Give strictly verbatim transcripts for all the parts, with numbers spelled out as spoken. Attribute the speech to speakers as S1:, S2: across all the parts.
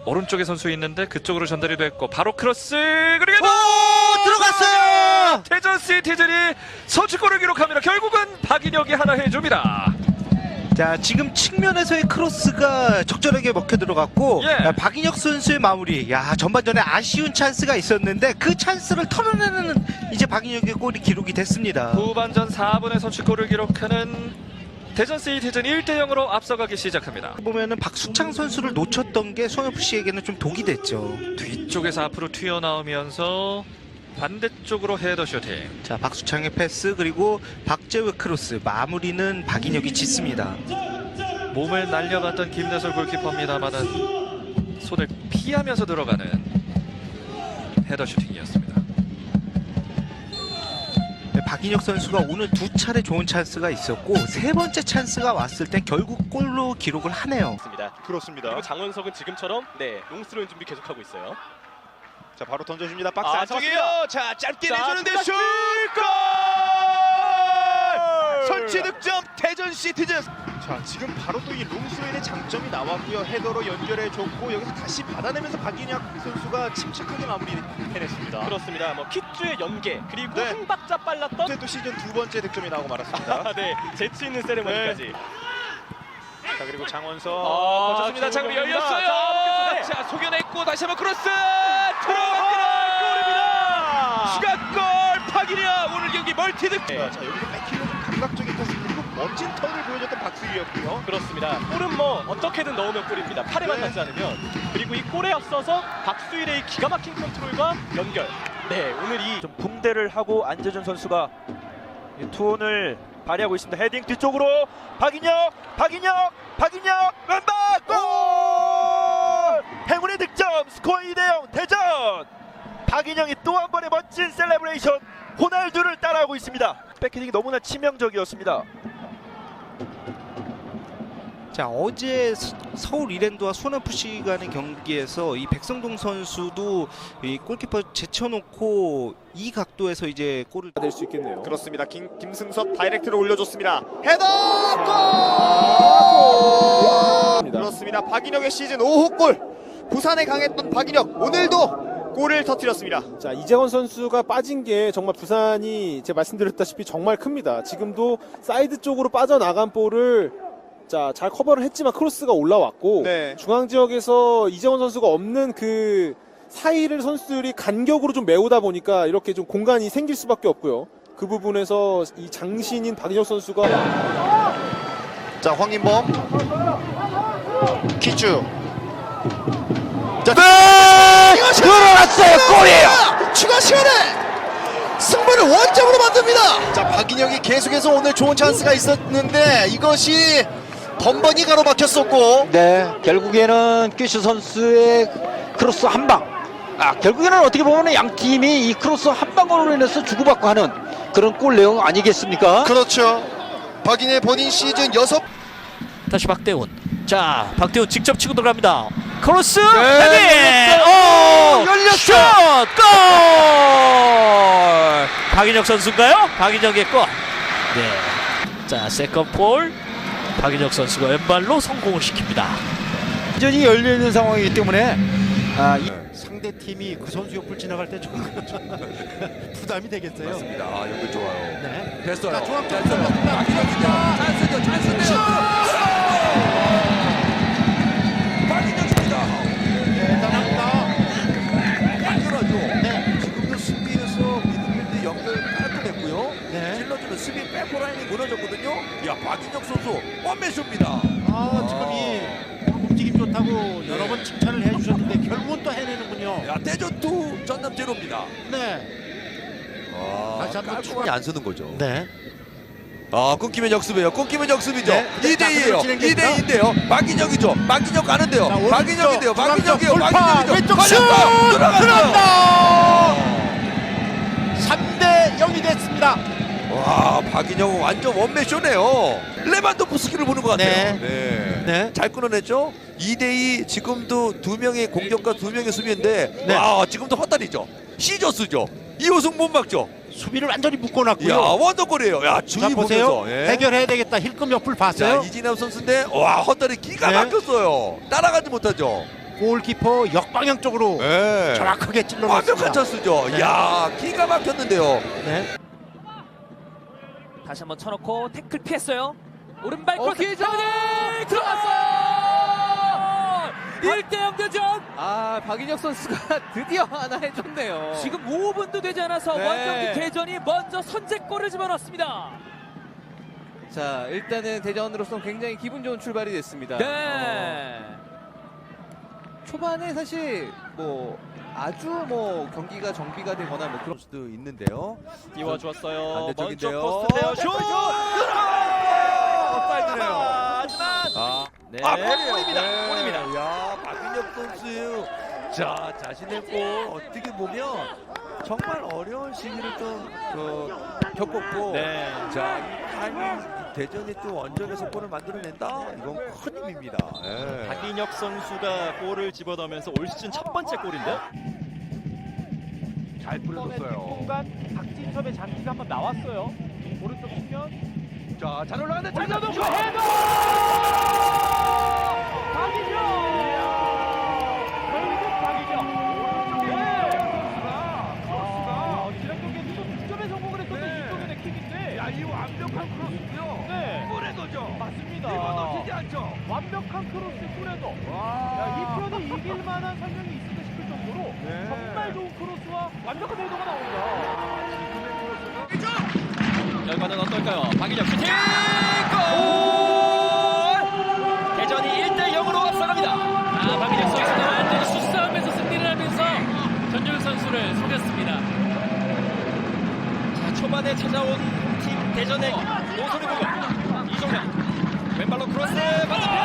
S1: 오른쪽에 선수 있는데 그쪽으로 전달이 됐고 바로 크로스 그리고
S2: 오, 들어갔어요.
S1: 대전 시티즌이 선취골을 기록합니다. 결국은 박인혁이 하나 해줍니다.
S2: 자, 지금 측면에서의 크로스가 적절하게 먹혀 들어갔고
S1: 예.
S2: 야, 박인혁 선수의 마무리. 야, 전반전에 아쉬운 찬스가 있었는데 그 찬스를 털어내는 이제 박인혁의 골이 기록이 됐습니다.
S1: 후반전 사 분의 선취골을 기록하는 대전 시티즌 일 대 영으로 앞서가기 시작합니다.
S2: 보면은 박수창 선수를 놓쳤던 게 손에프씨에게는 좀 독이 됐죠.
S1: 뒤쪽에서 앞으로 튀어나오면서 반대쪽으로 헤더 슈팅.
S2: 자, 박수창의 패스 그리고 박재우의 크로스 마무리는 박인혁이 짓습니다.
S1: 몸을 날려갔던 김대솔 골키퍼입니다만은 손을 피하면서 들어가는 헤더 슈팅이었습니다.
S2: 네, 박인혁 선수가 오늘 두 차례 좋은 찬스가 있었고 세 번째 찬스가 왔을 때 결국 골로 기록을 하네요.
S3: 그렇습니다.
S4: 그리고 장원석은 지금처럼 네 롱스로인 준비 계속하고 있어요.
S3: 자, 바로 던져줍니다. 박스
S4: 아,
S3: 안쪽이에요. 자, 짧게
S4: 자,
S3: 내주는데
S4: 플러스!
S3: 슛! 골! 설치 득점 대전 시티즌. 자, 지금 바로 또 이 롱스로인의 장점이 나왔고요. 헤더로 연결해줬고 여기서 다시 받아내면서 박인혁 선수가 침착하게 마무리 해냈습니다.
S4: 그렇습니다. 뭐 킥주의 연계 그리고
S3: 네.
S4: 한 박자 빨랐던
S3: 또 시즌 두 번째 득점이 나오고 말았습니다.
S4: 네 재치 있는 세레머니까지.
S3: 자, 그리고 장원석
S4: 아,
S3: 거쳤습니다. 장비
S4: 지금
S3: 열렸어요.
S4: 자,
S1: 자, 속여냈고 다시 한번 크로스
S3: 들어갑니다. 골입니다.
S4: 추가골
S3: 박인혁 오늘 경기 멀티 득점.
S4: 네.
S3: 자, 여기서 백힐로 좀 감각적인 패스 그리고 멋진 턴을 보여줬던 박수희였고요.
S4: 그렇습니다. 골은 뭐 어떻게든 넣으면 골입니다. 팔에만
S3: 네.
S4: 닿지 않으면. 그리고 이 골에 앞서서 박수일의 기가 막힌 컨트롤과 연결. 네 오늘 이
S5: 좀 붕대를 하고 안재준 선수가 이 투혼을 발휘하고 있습니다. 헤딩 뒤쪽으로 박인혁, 박인혁, 박인혁 왼발 골! 행운의 득점 스코어 이 대 영 대전. 박인혁이 또 한 번의 멋진 셀레브레이션 호날두를 따라하고 있습니다. 백헤딩이 너무나 치명적이었습니다.
S2: 자, 어제 서- 서울 이랜드와 손에프씨 간의 경기에서 이 백성동 선수도 이 골키퍼 제쳐놓고 이 각도에서 이제 골을
S5: 될 수 있겠네요.
S3: 그렇습니다. 김, 김승섭 다이렉트로 올려줬습니다. 헤더 골! 그렇습니다. 박인혁의 시즌 오 호 골. 부산에 강했던 박인혁 오늘도 골을 터뜨렸습니다.
S6: 자, 이재원 선수가 빠진 게 정말 부산이 제가 말씀드렸다시피 정말 큽니다. 지금도 사이드 쪽으로 빠져나간 볼을 자, 잘 커버를 했지만 크로스가 올라왔고
S3: 네.
S6: 중앙 지역에서 이재원 선수가 없는 그 사이를 선수들이 간격으로 좀 메우다 보니까 이렇게 좀 공간이 생길 수밖에 없고요. 그 부분에서 이 장신인 박인혁 선수가
S3: 자, 황인범 키추 자,
S2: 들어갔어요. 골이에요.
S3: 추가 시간에 승부를 원점으로 만듭니다. 자, 박인혁이 계속해서 오늘 좋은 찬스가 있었는데 이것이 번번이 가로막혔었고
S7: 네, 결국에는 퀴슈 선수의 크로스 한 방. 아, 결국에는 어떻게 보면 양 팀이 이 크로스 한 방으로 인해서 주고받고 하는 그런 골 내용 아니겠습니까?
S3: 그렇죠. 박인혁 본인 시즌 여섯
S8: 다시 박대훈. 자, 박대훈 직접 치고 들어갑니다. 크로스
S7: 네,
S8: 헤딩. 오! 열렸어. 골! 박인혁 선수인가요? 박인혁의 골. 네. 자, 세컨 볼. 박인혁 선수가 왼발로 성공을 시킵니다.
S7: 완전히 열려 있는 상황이기 때문에 아, 이
S9: 상대 팀이 그 선수 옆을 지나갈 때 좀 부담이 되겠어요.
S10: 맞습니다. 아, 연결 좋아요.
S9: 네.
S10: 됐어요.
S9: 자, 중앙
S10: 됐어요.
S9: 쪽으로
S10: 박인혁인데요. 찬스죠, 찬스인데요. 박인혁입니다.
S9: 대단합니다.
S10: 당연하죠.
S9: 네.
S10: 지금도 수비에서 미드필드 연결 깔끔했고요.
S9: 네.
S10: 찔러주는 수비 백포라인이 무너졌거든요. 야, 박인혁 선수 원맨쇼입니다.
S9: 아, 지금 이 움직임 좋다고 여러 번 칭찬을 해주셨는데 결국은 또 해내는군요.
S10: 야, 대전투 전남 제로입니다.
S9: 네.
S10: 아,
S9: 다시 한번
S10: 깔끔하게 안 쓰는 거죠.
S9: 네.
S10: 아, 끊기면 역습이에요. 끊기면 역습이죠.
S9: 네.
S10: 이 대 이예요.
S9: 자,
S10: 이 대 이인데요. 박인혁이죠. 박인혁 가는데요.
S9: 자, 오른쪽,
S10: 박인혁인데요.
S9: 중앙쪽
S10: 박인혁이에요.
S9: 돌파,
S10: 박인혁이죠.
S9: 왼쪽 슛!
S10: 걸렸어요. 들어갔어요.
S9: 삼 대 영이 됐습니다.
S10: 와, 박인혁은 완전 원맨쇼네요. 레반도프스키를 보는 것 같아요.
S9: 네.
S10: 네.
S9: 네.
S10: 잘 끊어냈죠. 이 대 이 지금도 두 명의 공격과 두 명의 수비인데
S9: 네.
S10: 와, 지금도 헛다리죠. 시저스죠. 이호승 못 막죠.
S9: 수비를 완전히
S10: 야,
S9: 묶어놨고요.
S10: 원더골이에요. 야,
S9: 자,
S10: 주의
S9: 보세요.
S10: 보면서. 예.
S9: 해결해야 되겠다. 힐끔 옆을
S10: 자,
S9: 봤어요.
S10: 이진남 선수인데 와, 헛다리 기가
S9: 네.
S10: 막혔어요. 따라가지 못하죠.
S9: 골키퍼 역방향 쪽으로
S10: 네.
S9: 정확하게 찔러놨습니다.
S10: 완벽한 찬스죠.
S9: 네.
S10: 야, 기가 막혔는데요.
S9: 네.
S8: 다시 한번 쳐놓고 태클 피했어요. 오른발
S9: 어,
S8: 크로스
S9: 기회죠.
S8: 들어갔어. 일 대 영 대전.
S11: 아, 박인혁 선수가 드디어 하나 해줬네요.
S8: 지금 오 분도 되지 않아서
S11: 네.
S8: 원정기 대전이 먼저 선제골을 집어넣습니다.
S11: 자, 일단은 대전으로서 굉장히 기분 좋은 출발이 됐습니다.
S8: 네.
S11: 어, 초반에 사실 뭐 아주 뭐 경기가 정비가 되거나 뭐 그런
S10: 수도 있는데요.
S4: 띄워주었어요.
S10: 반대쪽인데요.
S4: 먼쪽 포스트인데요. 슛!
S10: 옵사이드네요.
S4: 하지만
S10: 아,
S4: 네,
S10: 아,
S4: 골입니다.
S10: 네.
S4: 골입니다.
S10: 야, 박인혁 선수. 자, 자신의 골 어떻게 보면 정말 어려운 시기를 좀 어, 겪었고.
S4: 네.
S10: 자, 이 타이밍 대전이 또 원정에서 골을 만들어낸다. 이건 큰 힘입니다. 예.
S4: 박인혁 선수가 골을 집어넣으면서 올 시즌 첫 번째 골인데요.
S5: 잘 뿌려줬어요.
S4: 공간 박진섭의 장기가 한번 나왔어요. 오른쪽 측면.
S5: 자, 잘 올라가는데 잘
S4: 올려놓고
S5: 잡았죠.
S4: 헤더! 박인혁! 결국 박인혁. 네. 아, 지난 경기에서도 득점에 성공을 했었던 이쪽의 킥인데.
S5: 야, 이 완벽한 크로스고요.
S4: 네.
S5: 골에도죠.
S4: 맞습니다.
S5: 이거 놓치지 않죠.
S4: 완벽한 크로스 골에도. 야, 이 편이 이길 만한 설명이 있을까 싶을 정도로
S5: 네.
S4: 정말 좋은 크로스와 완벽한 헤더가 나옵니다. 결과는 어떨까요? 박인혁 슈팅! 골! 대전이 일 대 영으로 앞서갑니다.
S8: 아, 박인혁 선수가 완전히 수싸움에서 승리를 하면서 전준 선수를 속였습니다.
S4: 자, 초반에 찾아온 팀 대전의 노선의 공격. 이종현 왼발로 크로스 반대편!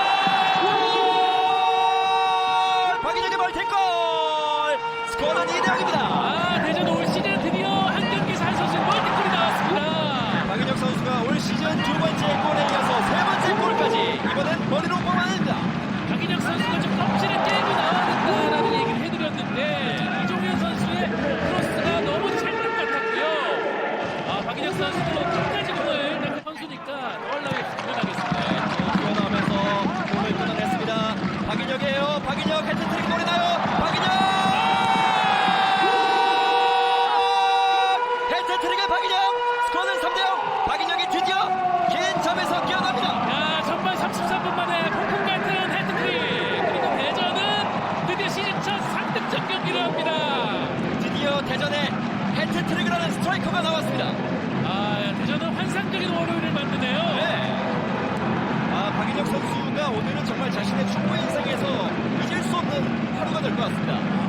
S4: 박인혁의 멀티골! 스코어는 이 대 영입니다.
S8: 아, 대전 올 시즌 드디어 한 경기에서 한 선수 멀티골이 나왔습니다.
S4: 박인혁 선수가 올 시즌 두 번째 골에 이어서 세 번째 골까지 이번엔 머리로 뽑아냅니다.
S8: 박인혁 선수가 좀 껍질을 깨고 나와야 된다라는 얘기를 해드렸는데 이종현 선수의 크로스가 너무 찰떡 같았고요. 아, 박인혁 선수도 끝까지 공을 낚은 선수니까 더하려고 기원하겠습니다.
S4: 뛰어나오면서 공을 끊어냈습니다. 박인혁이에요. 박인혁 헤트트릭 노리나요? 박인혁! 헤트트릭의 박인혁! 스코어는 삼 대 영! 박인혁이 드디어 긴 점에서 뛰어납니다.
S8: 야, 전반 삼십삼 분 만에 폭풍 같은 헤트트릭. 그리고 대전은 드디어 시즌 첫 삼 득점 경기를 합니다.
S4: 드디어 대전에 헤트트릭을 하는 스트라이커가 나왔습니다.
S8: 아, 야, 대전은 환상적인 월요일을 만드네요.
S4: 네. 아, 박인혁 선수가 오늘은 정말 자신의 축구 인생에서 잊을 수 없는 하루가 될 것 같습니다.